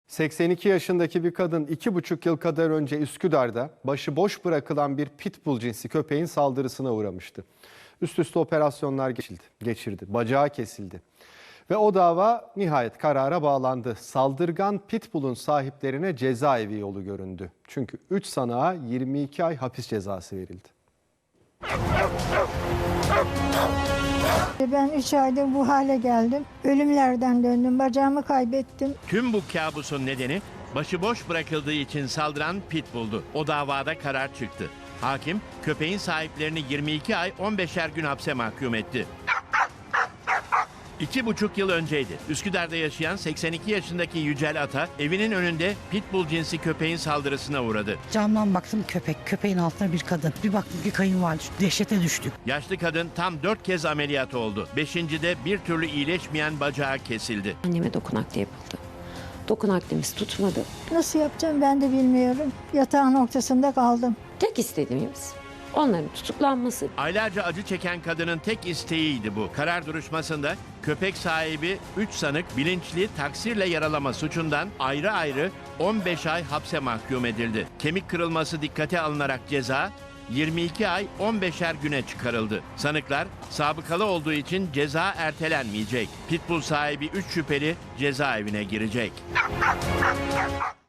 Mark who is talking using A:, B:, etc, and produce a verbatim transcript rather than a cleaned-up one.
A: seksen iki yaşındaki bir kadın iki buçuk yıl kadar önce Üsküdar'da başıboş bırakılan bir pitbull cinsi köpeğin saldırısına uğramıştı. Üst üste operasyonlar geçildi, geçirdi, bacağı kesildi. Ve o dava nihayet karara bağlandı. Saldırgan pitbull'un sahiplerine cezaevi yolu göründü. Çünkü üç sanığa yirmi iki ay hapis cezası verildi.
B: Ben üç ayda bu hale geldim. Ölümlerden döndüm. Bacağımı kaybettim.
C: Tüm bu kabusun nedeni başıboş bırakıldığı için saldıran pitbull'du. O davada karar çıktı. Hakim köpeğin sahiplerini yirmi iki ay on beşer gün hapse mahkum etti. İki buçuk yıl önceydi. Üsküdar'da yaşayan seksen iki yaşındaki Yücel Ata evinin önünde pitbull cinsi köpeğin saldırısına uğradı.
D: Camdan baktım köpek, köpeğin altında bir kadın. Bir baktım ki kayınvalide, dehşete düştük.
C: Yaşlı kadın tam dört kez ameliyat oldu. Beşincide bir türlü iyileşmeyen bacağı kesildi.
E: Anneme dokunak da yapıldı. Dokunaklimiz tutmadı.
B: Nasıl yapacağım ben de bilmiyorum. Yatağın ortasında kaldım.
E: Tek istediğimiz onların tutuklanması.
C: Aylarca acı çeken kadının tek isteğiydi bu. Karar duruşmasında köpek sahibi üç sanık bilinçli taksirle yaralama suçundan ayrı ayrı on beş ay hapse mahkum edildi. Kemik kırılması dikkate alınarak ceza yirmi iki ay on beşer güne çıkarıldı. Sanıklar sabıkalı olduğu için ceza ertelenmeyecek. Pitbull sahibi üç şüpheli cezaevine girecek.